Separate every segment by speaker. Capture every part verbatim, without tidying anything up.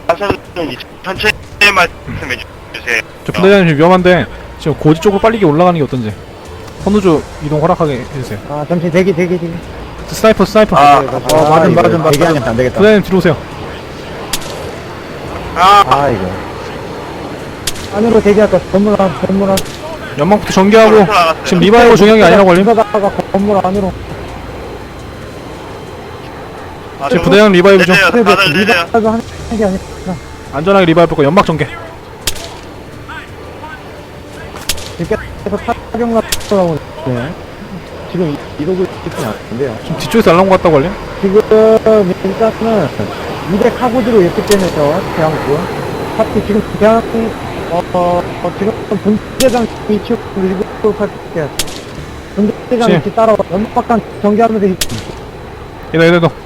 Speaker 1: 가서는 천천히 말씀해 주세요.
Speaker 2: 저 부대장님 지금 위험한데 지금 고지 쪽으로 빨리 올라가는 게 어떤지. 선우조 이동 허락하게 해주세요.
Speaker 3: 아 잠시 대기 대기 대기.
Speaker 2: 스나이퍼 스나이퍼.
Speaker 1: 아,
Speaker 3: 어 맞음 맞음 맞음. 대기하면 안 되겠다.
Speaker 2: 부대장님 뒤로 오세요.
Speaker 1: 아,
Speaker 3: 아 이거. 안으로 대기할까? 건물 안 건물 안.
Speaker 2: 연막부터 전개하고 지금 리바이버 중요한 게 아니라고 알림.
Speaker 3: 다가 건물 안으로.
Speaker 1: 아,
Speaker 2: 지금 부대장 리바이브 좀
Speaker 1: 내려요. 다들 내려요.
Speaker 3: 리바이브 하는 게 아니라.
Speaker 2: 안전하게 리바이브 거 연막 전개.
Speaker 3: 지금 계속 타격 나고 네. 지금 이- 이러고 있으면 안 돼요.
Speaker 2: 지금 뒤쪽에서 날라온 것 같다고 알림.
Speaker 3: 지금 일단은 이백 카고지로 있기 때문에요. 대한군. 하필 지금 대한 어, 어, 어 지금 분대장 위치로 일부 살펴볼게요. 분대장
Speaker 2: 지.
Speaker 3: 위치 따라와 연막박탄 전개하면서 이-
Speaker 2: 이동 이동 이동.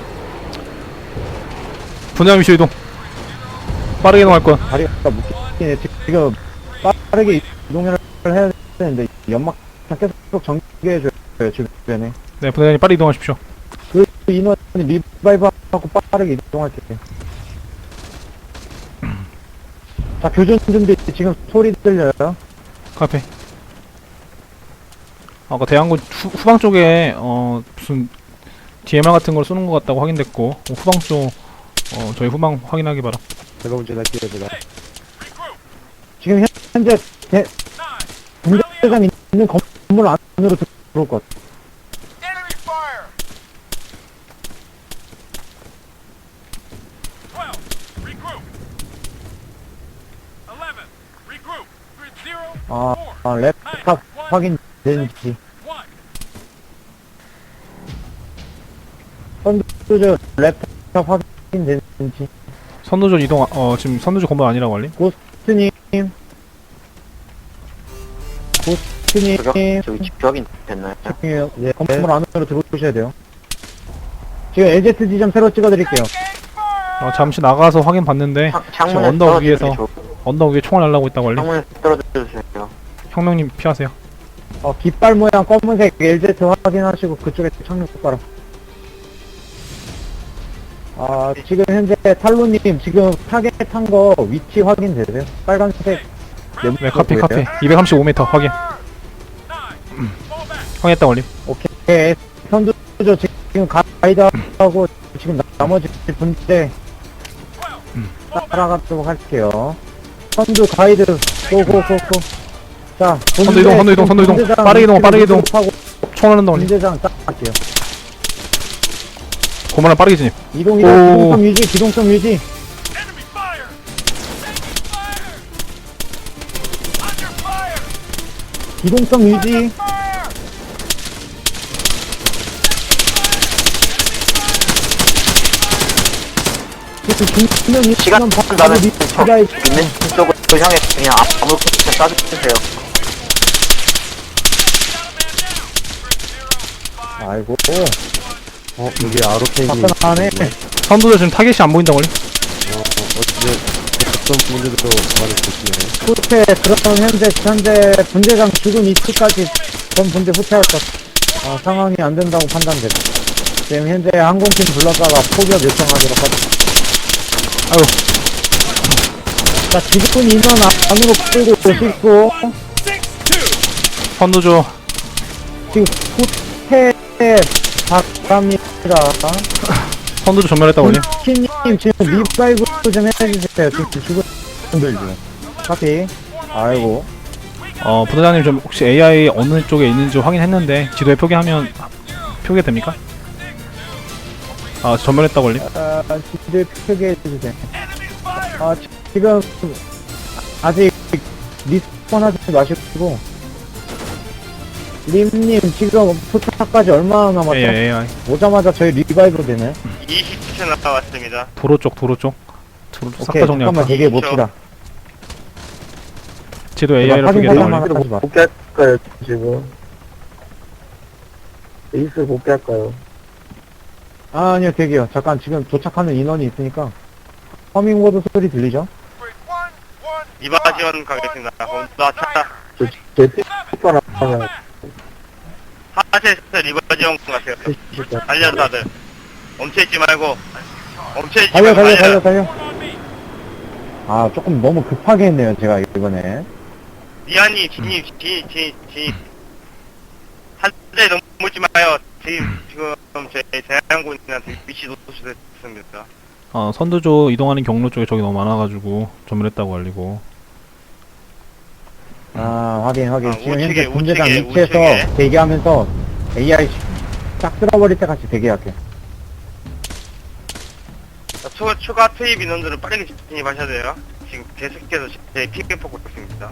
Speaker 2: 부대장 위치 이동. 빠르게 이동할 거야.
Speaker 3: 다리가 묶이네. 지금 빠르게 이동을 해야 되는데 연막탄 계속 전개해줘요. 주변에.
Speaker 2: 네, 부대장님 빨리 이동하십시오.
Speaker 3: 그 인원이 리바이브하고 빠르게 이동할게요. 자, 교전 준비 지금 소리 들려요?
Speaker 2: 카페. 아까 대한군 후, 후방 쪽에 어 무슨 디엠알 같은 걸 쏘는 것 같다고 확인됐고 어, 후방 쪽 어 저희 후방 확인하기 바라.
Speaker 3: 제가 먼저 갈게요, 제가. 지금 현재 대, 분대장 있는 건물 안으로 들어올 것 같아요.
Speaker 4: Enemy fire! twelve, regroup. eleven, regroup. Grid zero,
Speaker 3: 아,
Speaker 4: four,
Speaker 3: 아 랩탑 확인되는지.
Speaker 4: one.
Speaker 3: 선두저 랩탑 확인되는지.
Speaker 2: 선두조 이동 어 지금 선두조 건물 아니라고 알림.
Speaker 3: 고스트님. 고스트님.
Speaker 5: 저기 집중 확인 됐나요?
Speaker 3: 집중해요. 네, 건물 안으로 들어오셔야 돼요. 지금 엘제트 지점 새로 찍어드릴게요.
Speaker 2: 어 잠시 나가서 확인 봤는데
Speaker 5: 창-
Speaker 2: 지금
Speaker 5: 창문에
Speaker 2: 언덕
Speaker 5: 떨어지는
Speaker 2: 위에서
Speaker 5: 게 좋-
Speaker 2: 언덕 위에 총알 날라고 있다고 알림.
Speaker 5: 창문에 떨어져 주세요.
Speaker 2: 혁명님 피하세요.
Speaker 3: 어, 깃발 모양 검은색 엘제트 확인하시고 그쪽에 착륙 바로. 아, 지금 현재 탈로님 지금 타겟한 거 위치 확인되세요? 빨간색.
Speaker 2: 네, 카피 카피. 이백삼십오 미터 확인.
Speaker 4: Nine, fall back.
Speaker 2: 확인했다 알림.
Speaker 3: 오케이. 선두조 지금 가이드하고 지금 나- 나머지 분들 따라가도록 할게요. 선두 가이드 고고고고. 자,
Speaker 2: 선두 이동, 선두 이동, 선두 이동.
Speaker 3: 분대장
Speaker 2: 빠르게 이동, 빠르게 이동.
Speaker 3: 하고
Speaker 2: 총알 난다 알림.
Speaker 3: 분대장 딱 할게요.
Speaker 2: 건물 안 빠르게 진입.
Speaker 3: 이동
Speaker 2: 오.
Speaker 3: 이동 기동성 유지 기동성 유지.
Speaker 4: Enemy fire! Fire! Under fire!
Speaker 3: 기동성 유지.
Speaker 4: Fire!
Speaker 3: 지금 중면
Speaker 5: 시간
Speaker 3: 바로
Speaker 5: 나는
Speaker 3: 밑에가 있-
Speaker 5: 있는 쪽으로 향해 그냥 아무렇게나 쏴주세요.
Speaker 3: 아이고. 어 여기 아로케이. 바꿔나네.
Speaker 2: 선두조 지금 타겟이 안 보인다고 알림.
Speaker 3: 후퇴 그럼 현재 현재 분대장 죽은 위치까지 전 분대 후퇴할 것. 아 상황이 안 된다고 판단됩니다. 지금 현재 항공팀 불렀다가 포격 요청하도록 하죠.
Speaker 2: 아유.
Speaker 3: 자 지금 인원 안으로 끌고 오시고
Speaker 2: 선두조
Speaker 3: 지금 후퇴 바랍니다.
Speaker 2: 선두조 전멸했다고 알림.
Speaker 3: 키님 지금 리바이브 좀 해주세요. 지금 죽은 분들 지금. 카피. 아이고.
Speaker 2: 어 부대장님 좀 혹시 에이아이 어느 쪽에 있는지 확인했는데 지도에 표기하면 표기가 됩니까? 아 전멸했다고 알림.
Speaker 3: 아, 지들 표기해 주세요. 아, 지- 지금 아직 리스폰 하지 마시고 림님 지금 포탑까지 얼마나 남았죠?
Speaker 2: 에이아이 에이아이.
Speaker 3: 오자마자 저희 리바이브 되네.
Speaker 1: 이십 초 남았습니다.
Speaker 2: 도로 쪽 도로 쪽. 도로 쪽 싹
Speaker 3: 오케이
Speaker 2: 다 정리할까?
Speaker 3: 잠깐만 대기해 봅시다.
Speaker 2: 지도 에이아이로
Speaker 3: 확인
Speaker 2: 표기했다고
Speaker 3: 사항만
Speaker 2: 알림.
Speaker 3: 하지 마.
Speaker 5: 복귀할까요 지금? 에이스 복귀할까요?
Speaker 3: 아, 아니요 대기요. 잠깐 지금 도착하는 인원이 있으니까 허밍워드 소리 들리죠?
Speaker 4: Grid one, one,
Speaker 1: 이바 지원 가겠습니다. 나 차,
Speaker 5: 제 티파나 하면
Speaker 1: 하체에서 리버 지원 가세요. 달려 다들. 멈춰있지 말고. 멈춰있지
Speaker 3: 달려
Speaker 1: 말고
Speaker 3: 달려 달려
Speaker 1: 달려.
Speaker 3: 달려.
Speaker 4: on me.
Speaker 3: 아, 조금 너무 급하게 했네요, 제가 이번에.
Speaker 1: 미안이 진입, 진입, 진입, 진입. 한대 넘지 마요. 지금, 지금, 제 대한군인한테 위치 노출됐습니다.
Speaker 2: 어, 선두조 이동하는 경로 쪽에 적이 너무 많아가지고 전멸했다고 알리고.
Speaker 3: 아, 확인, 확인.
Speaker 1: 아,
Speaker 3: 지금
Speaker 1: 우측에,
Speaker 3: 현재 분대장
Speaker 1: 우측에,
Speaker 3: 위치에서
Speaker 1: 우측에.
Speaker 3: 대기하면서 에이아이 싹 쓸어버릴 때까지 대기할게.
Speaker 1: 자, 추가, 추가 투입 인원들은 빠르게 진입하셔야 돼요. 지금 계속해서 제 픽을 뽑고 있습니다.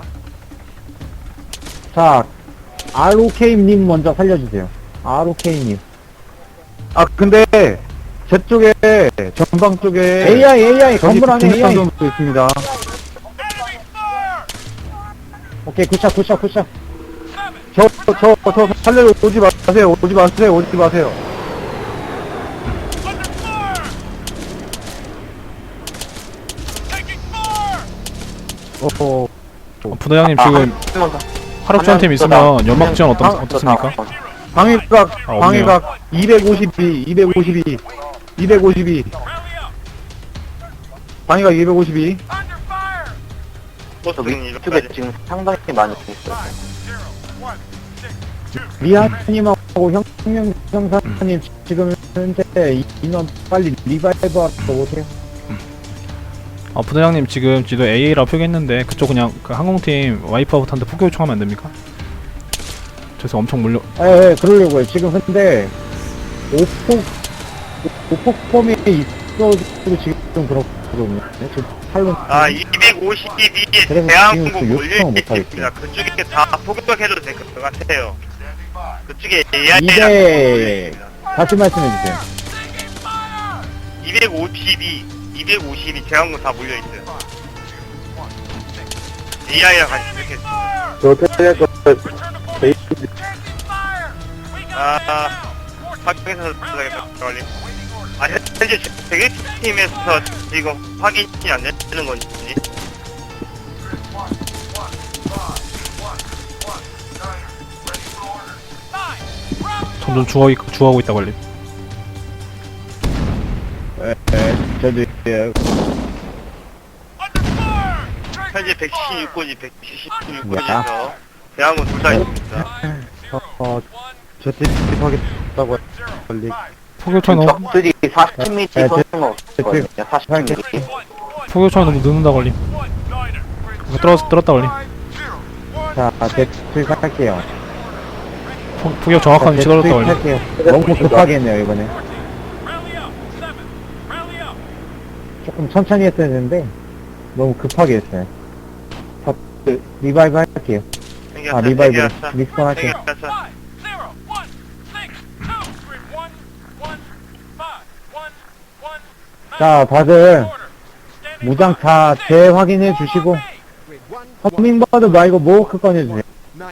Speaker 3: 자, 알오케이님 먼저 살려주세요. 알오케이님. 아, 근데, 제 쪽에, 전방 쪽에. 에이아이, 에이아이, 건물 안에 에이아이. 있습니다.
Speaker 4: Enemy fire!
Speaker 3: 오케이, 굿샷, 굿샷, 굿샷.
Speaker 4: Seven.
Speaker 3: 저, 저, 저, 살려러 오지 마세요. 오지 마세요. 오지 마세요.
Speaker 4: Under fire! Taking fire!
Speaker 3: 어,
Speaker 2: 어, 부대장님
Speaker 5: 아,
Speaker 2: 지금
Speaker 5: 한 명 더.
Speaker 2: 화력 지원 팀 있으면 연막 지원 어떻, 어떻습니까?
Speaker 3: 방위각,
Speaker 2: 아, 없네요.
Speaker 3: 방위각, 이백오십이, 이백오십이, 이백오십이.
Speaker 4: Rally up!
Speaker 3: 방위각 이백오십이.
Speaker 4: Under fire!
Speaker 5: 저
Speaker 1: 보스는
Speaker 5: 위쪽에
Speaker 1: 이렇게
Speaker 5: 지금 상당히 많이 있어요.
Speaker 4: Five, zero, one, six, two.
Speaker 3: 리아님하고 혁명정사님 지금 현재 인원 빨리 리바이브 하러 오세요.
Speaker 2: 어, 부대장님 지금 지도 에이에이라고 표기했는데 그쪽 그냥 그 항공팀 와이프아웃한테 폭격 요청하면 안 됩니까? 저기서 엄청 몰려.
Speaker 3: 예, 예, 그러려고요. 지금 근데 오폭 오폭범이 있어가지고 지금 그렇거든요. 지금 팔로
Speaker 1: 아, 이백오십이
Speaker 3: 그래서
Speaker 1: 대한민국
Speaker 3: 지금 그 요청을 못
Speaker 1: 몰려있습니다. 그쪽에 다 포격해도 될 것 같아요. 그쪽에
Speaker 3: 이백
Speaker 1: 에이아이랑
Speaker 3: 다시 말씀해 주세요.
Speaker 1: 이백오십이, 이백오십이 대한군 다 몰려있어요. 에이아이랑 같이 이렇게.
Speaker 3: 저 어떻게 할 거?
Speaker 4: Fire! We got
Speaker 1: 아, 확인해서 들어가겠다, 빨리. 아, 현재 대기팀에서 지금 확인이 안 되는 건지.
Speaker 2: 점점 주워, 주워하고 있다고 알림.
Speaker 3: 예, 예, 저도 예,
Speaker 4: under fire!
Speaker 1: 현재 백칠십육 군이 백칠십육 군에서 대한군 둘 다 있습니다.
Speaker 3: 어, 어, 저 대입하겠다고 빨리.
Speaker 2: 폭격 요청이 너무
Speaker 5: 적들이 사십 미터
Speaker 3: 네,
Speaker 5: 쏘는 거 없거든요. 사십 미터.
Speaker 2: 폭격 요청이 너무 늦는다고 알림.
Speaker 4: One, niner.
Speaker 2: 이거 떨어졌 떨었다 알림.
Speaker 3: 자, 대출 할게요.
Speaker 2: 폭- 폭격 정확한 위치 떨어졌다 알림.
Speaker 3: 할게요. 너무 급하게 했네요 이번에.
Speaker 4: Rally up! Seven. Rally up!
Speaker 3: 조금 천천히 했어야 되는데 너무 급하게 했어요. 자, 그, 리바이브 할게요. 아, 리바이브 리스폰 할게요.
Speaker 1: 생겼어.
Speaker 4: Five, zero, one, six, two, three, one, one, five, one, one, nine.
Speaker 3: 자, 다들
Speaker 4: Order. Standing
Speaker 3: 무장
Speaker 4: by.
Speaker 3: 다 재확인해 주시고 허밍버드 말고 모호크 꺼내주세요.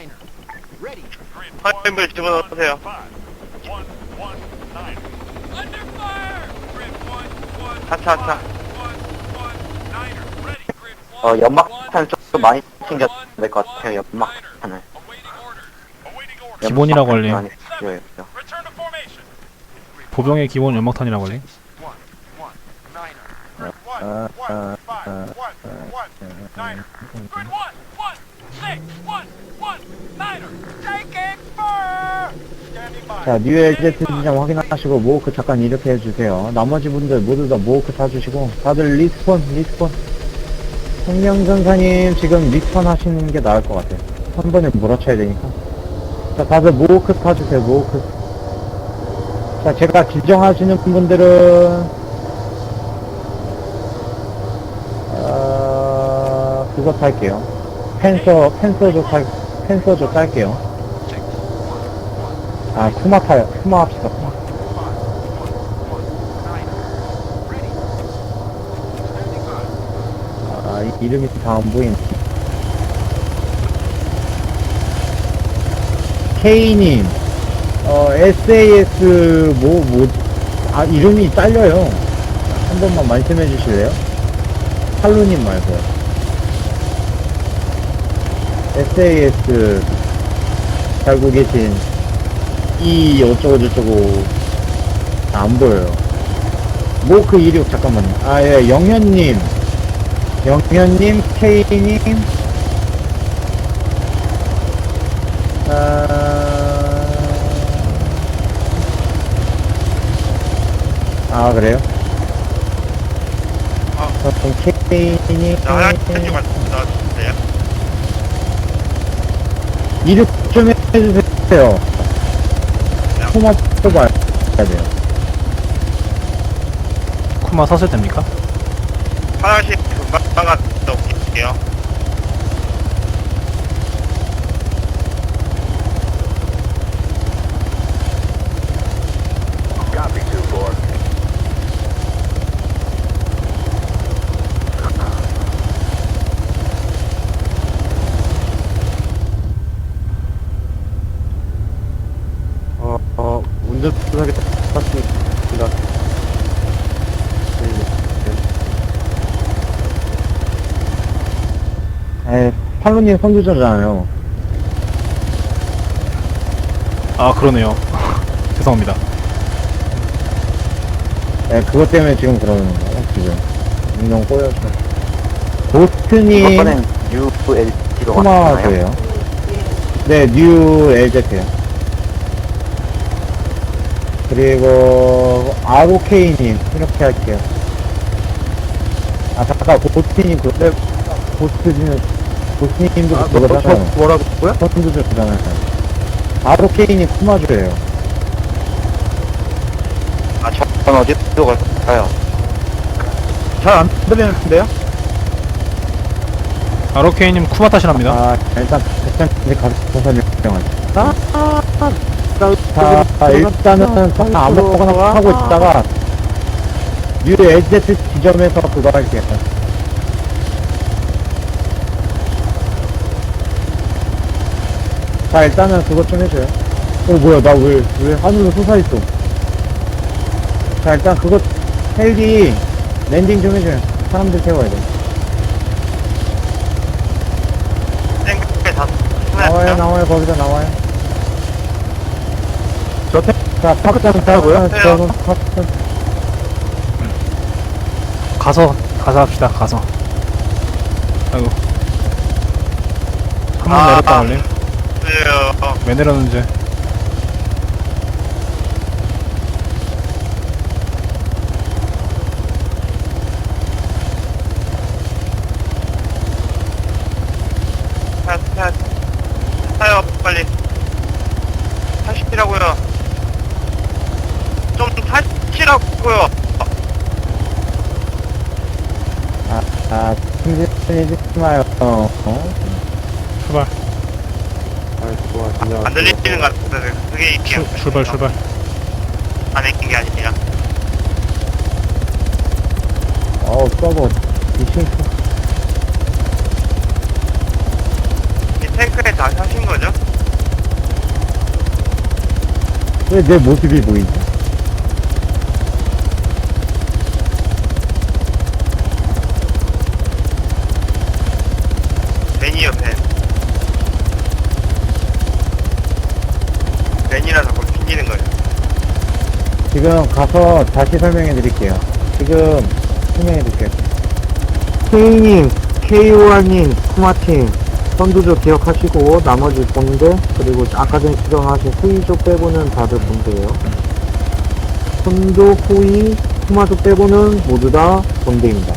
Speaker 1: 화면을 집어넣으세요.
Speaker 4: Five, one, one, nine. Under fire! Grid one, one,
Speaker 1: 하차, 하차.
Speaker 4: one, one, niner. Ready. Grid
Speaker 5: 어,
Speaker 4: one,
Speaker 5: 연막탄 좀 많이 챙겨야 될 것 같아요. 연막탄을.
Speaker 4: awaiting order. Awaiting order.
Speaker 2: 기본이라고
Speaker 5: 연막탄이
Speaker 2: 알림.
Speaker 5: 많이 필요해요.
Speaker 4: Return to formation.
Speaker 2: 보병의 기본 연막탄이라고 알림.
Speaker 4: One, one, niner. Grid one,
Speaker 3: 아,
Speaker 4: one,
Speaker 3: 아,
Speaker 4: five,
Speaker 3: 아,
Speaker 4: one, one, niner. Grid one, one, six, one, one, niner. Taking fire! Standing by.
Speaker 3: 자, 뉴엘제트 진장 확인하시고 모호크 잠깐 이렇게 해주세요. 나머지 분들 모두 다 모호크 타주시고 다들 리스폰 리스폰. 생명전사님 지금 리스폰 하시는 게 나을 것 같아요. 한 번에 몰아쳐야 되니까. 자, 다들 모호크 타주세요. 모호크. 자, 제가 지정하시는 분들은 어, 그거 탈게요. 펜서 펜서조 탈 펜서조 딸게요. 아, 쿠마 타요. 쿠마 합시다. 쿠마. 아, 이- 이름이 다 안 보이네. K님, 어, 에스에이에스, 뭐, 뭐, 아, 이름이 딸려요. 한 번만 말씀해 주실래요? 할로님 말고요. 에스에이에스, 살고 계신, 이, 어쩌고저쩌고, 안 보여요. 모크 이륙, 잠깐만요. 아, 예, 영현님. 영현님, K님, 아, 아 그래요?
Speaker 1: 아.
Speaker 3: 그럼 K님,
Speaker 1: 자, 화장실 갔다 왔어요.
Speaker 3: 이륙 좀 해주세요. 코마 뽑아야 돼요.
Speaker 2: 쿠마 사슬 됩니까?
Speaker 1: 화장실 금방 갔다 올게요.
Speaker 4: Copy, two four.
Speaker 3: 어, 어, 운전하게 탔습니다. 에, 팔로님 선두자잖아요.
Speaker 2: 아 그러네요. 죄송합니다.
Speaker 3: 에, 그것 때문에 지금 그러는 거예요, 지금. 운동 꼬여서. 고스트님,
Speaker 5: 이번엔 유엘지로 왔나요?
Speaker 3: 코마도예요. 네, 뉴 엘제트요. 그리고, 아르오케이님, 이렇게 할게요. 아, 잠깐, 고스트님, 그, 네, 고스트님, 고스트님도
Speaker 5: 아,
Speaker 3: 그거
Speaker 5: 뭐,
Speaker 3: 하잖아요.
Speaker 5: 뭐라고요?
Speaker 3: 선두주잖아요. 아르오케이님, 코마주예요.
Speaker 5: 아, 전 어디로 갈까요?
Speaker 3: 잘 안 들리는데요?
Speaker 2: 아로케이님 쿠마 타시랍니다.
Speaker 3: 아, 일단, 백장님 가서 설명하죠. 아, 자, 일단은 그냥 아무거나 하고 있다가, 뉴 엘제트 지점에서 그거 할게요. 자, 일단은 그거 좀 해줘요. 어, 뭐야, 나 왜, 왜 하늘로 솟아있어. 자, 일단 그거, 헬기, 랜딩 좀 해줘요. 사람들 태워야 돼.
Speaker 1: 땡크에 다
Speaker 3: 나와요,
Speaker 1: 끝났어요.
Speaker 3: 나와요, 거기서 나와요. 저 태, 자, 탑장 타고요?
Speaker 1: 네.
Speaker 3: 저는 탑장.
Speaker 2: 가서 가서 합시다. 가서. 아이고. 한 번
Speaker 1: 아,
Speaker 2: 내렸다
Speaker 1: 아.
Speaker 2: 원래.
Speaker 1: 그래요.
Speaker 2: 왜 내렸는지.
Speaker 1: 타, 타, 타요, 빨리. 타시라고요. 좀 타시라고요.
Speaker 3: 아, 아, 승진해주지 마요. 어?
Speaker 2: 출발.
Speaker 1: 안 들리는 것 같은데, 그게 이게
Speaker 2: 출, 출발 출발.
Speaker 1: 안 했긴 게 아니라.
Speaker 3: 어우, 서버. 미친.
Speaker 1: 이 탱크에 다 타신 거죠?
Speaker 3: 왜 내 모습이 보이지?
Speaker 1: 벤이요, 벤. 벤이라 자꾸 튕기는 거예요.
Speaker 3: 지금 가서 다시 설명해 드릴게요. 지금 설명해 드릴게요. K님, 케이오알님, 쿠마팀, 선두조 기억하시고, 나머지 본대, 그리고 아까 전에 지정하신 후이조 빼고는 다들 본대예요. 선두, 후이, 쿠마조 빼고는 모두 다 본대입니다.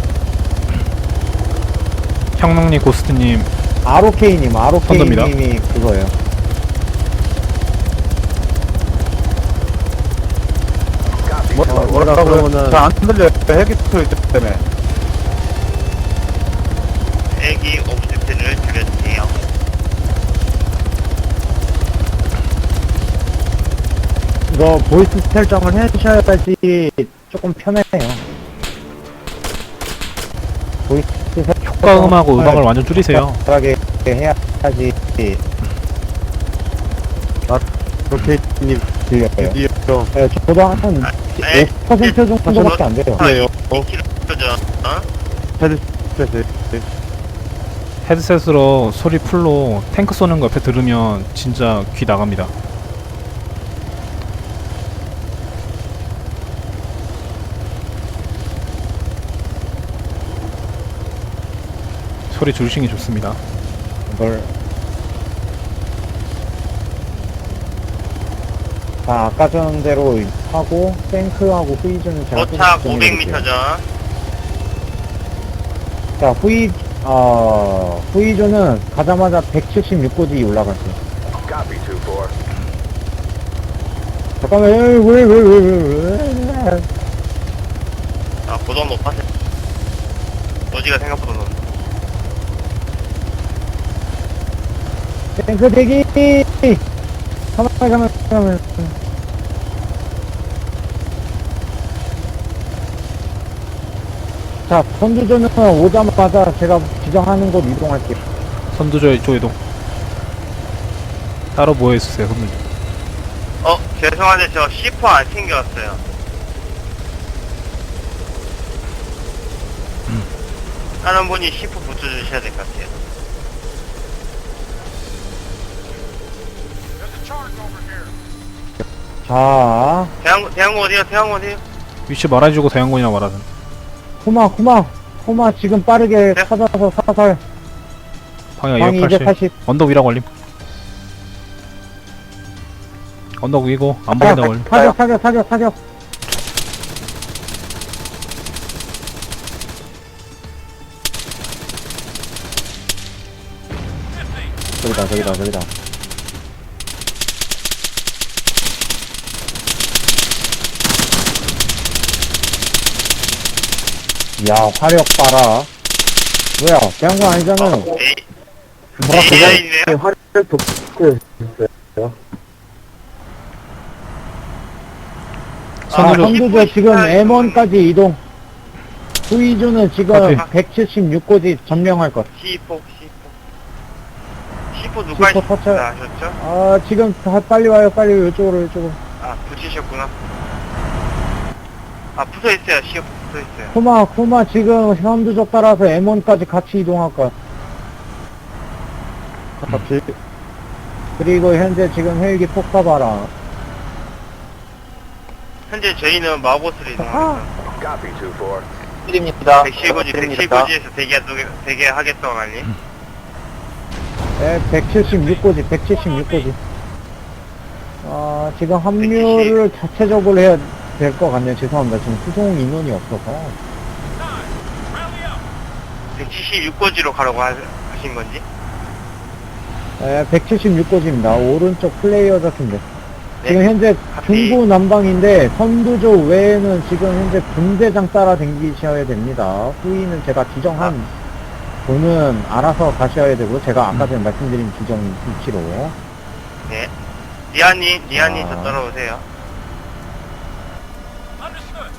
Speaker 2: 형능님 고스트님
Speaker 3: 아로케이님,
Speaker 2: 선두입니다.
Speaker 3: 아로케이님이 그거예요. 뭐, 뭐라고 그러면은.
Speaker 5: 안 들려요. 헬기 소리 때문에.
Speaker 1: 애기 옵시트를 줄여주세요.
Speaker 3: 이거 보이스 설정을 해주셔야지 조금 편해요. 보이스
Speaker 2: 효과 음하고 음악을 완전 줄이세요.
Speaker 3: 하게 해야지. 아, 로케이님 들려요. 네, 저도 한
Speaker 1: 네.
Speaker 3: 오 퍼센트 정도밖에 안 돼요.
Speaker 1: 아, 이 킬로죠. 어?
Speaker 3: 헤드셋을.
Speaker 2: 헤드셋으로 소리 풀로 탱크 쏘는 거 옆에 들으면 진짜 귀 나갑니다. 소리 줄이시는 게 좋습니다.
Speaker 3: 이걸 자, 아까 전대로 하고 탱크하고 후이즈는 제가
Speaker 1: 도착
Speaker 3: 또
Speaker 1: 오백 미터 전.
Speaker 3: 자, 후이 어 후이즈는 가자마자 백칠십육 고지 올라갔어요. 잠깐만, 왜왜왜 왜 왜 왜?
Speaker 1: 아, 고도 높았어. 노지가 생각보다 높네.
Speaker 3: 탱크 대기. 가만 가만 가만. 자, 선두조는 오자마자 제가 지정하는 곳 이동할게요.
Speaker 2: 선두조 이쪽 이동. 따로 모여있으세요, 선두조.
Speaker 1: 어, 죄송한데 저 씨 포 안 챙겨왔어요. 다른 분이 씨 포 붙여주셔야 될 것 같아요.
Speaker 4: There's a charge over here.
Speaker 3: 자,
Speaker 1: 대항, 대항고 어디요? 대항고 어디요?
Speaker 2: 위치 말해주고 대형군이나 말하든.
Speaker 3: 코마, 코마, 코마 지금 빠르게
Speaker 1: 네?
Speaker 3: 찾아서 사살.
Speaker 2: 방향
Speaker 3: 방이
Speaker 2: 이백팔십.
Speaker 3: 이백팔십.
Speaker 2: 언덕 위라 걸림. 언덕 위고 안 보인다 걸림.
Speaker 3: 사격, 사격, 사격, 사격. 저기다, 저기다, 저기다. 야, 화력 봐라. 뭐야, 배운 거 아니잖아.
Speaker 1: 에이,
Speaker 3: 뭐라
Speaker 1: 에이아이네요?
Speaker 3: 화력 돋고 있어요. 아,
Speaker 2: 선두조.
Speaker 3: 선두조 지금 엠 원까지 이동. 후이주는 지금
Speaker 2: 오케이.
Speaker 3: 백칠십육 고지 점령할 것.
Speaker 1: 씨 포, 씨 포. 씨 포 누가
Speaker 3: 씨 포 터쳐.
Speaker 1: 하셨죠?
Speaker 3: 아, 지금 다 빨리 와요, 빨리 이쪽으로, 이쪽으로.
Speaker 1: 아, 붙이셨구나. 아, 붙어있어요. 씨 포 붙어있어요.
Speaker 3: 코마, 코마 지금 선두조 따라서 엠 원까지 같이 이동할 것. 같이. 그리고 현재 지금 헬기 폭파 봐라.
Speaker 1: 현재 저희는 마고스를 이동합니다.
Speaker 5: 드립니다.
Speaker 1: 백칠 고지, 백칠 고지에서 대기하, 대기하겠다고 하니?
Speaker 3: 네, 백칠십육 고지, 백칠십육 고지. 아, 지금 합류를 자체적으로 해야 될 것 같네요. 죄송합니다. 지금 수송 인원이 없어서.
Speaker 1: 백칠십육 고지로 가라고 하, 하신 건지?
Speaker 3: 네, 백칠십육 고지입니다. 오른쪽 플레이어 같은데.
Speaker 1: 네.
Speaker 3: 지금 현재
Speaker 1: 카피.
Speaker 3: 중부 남방인데 선두조 외에는 지금 현재 분대장 따라 댕기셔야 됩니다. 후위는 제가 지정한 분은 알아서 가셔야 되고 제가 아까 전에 말씀드린 지정 위치로.
Speaker 1: 네. 리아님, 리아님
Speaker 3: 아.
Speaker 1: 저 따라오세요.
Speaker 4: Understood.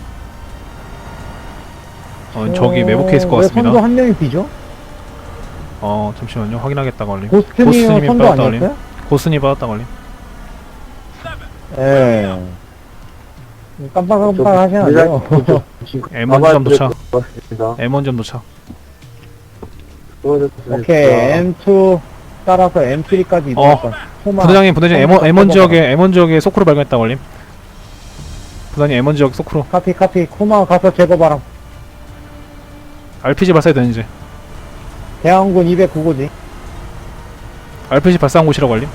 Speaker 2: 어, 저기 매복해 있을 것
Speaker 3: 왜
Speaker 2: 같습니다.
Speaker 3: 선두 한 명이 비죠?
Speaker 2: 어, 잠시만요. 확인하겠다 걸림.
Speaker 3: 고스트님
Speaker 2: 고스트님이
Speaker 3: 선두
Speaker 2: 빠졌다
Speaker 3: 아니었어요?
Speaker 2: 걸림. 고스님 빠졌다 걸림.
Speaker 3: 예. 깜빡깜빡 하시면 안 돼요.
Speaker 2: 엠 원 점 도착. 엠 원 점 도착.
Speaker 3: 오케이, 엠 투 따라서 엠 쓰리까지 이동할 거야.
Speaker 2: 부대장님, 부대장님, 엠 원, 엠 원 지역에, 엠 원 지역에 소크로 발견했다 걸림. 부대장님, 엠 원 지역 소크로.
Speaker 3: 카피, 카피. 코마 가서 제거 바람.
Speaker 2: 알피지 발사해도 되는지.
Speaker 3: 대항군 이백구 고지.
Speaker 2: 알피지 발사한 곳이라고 걸림.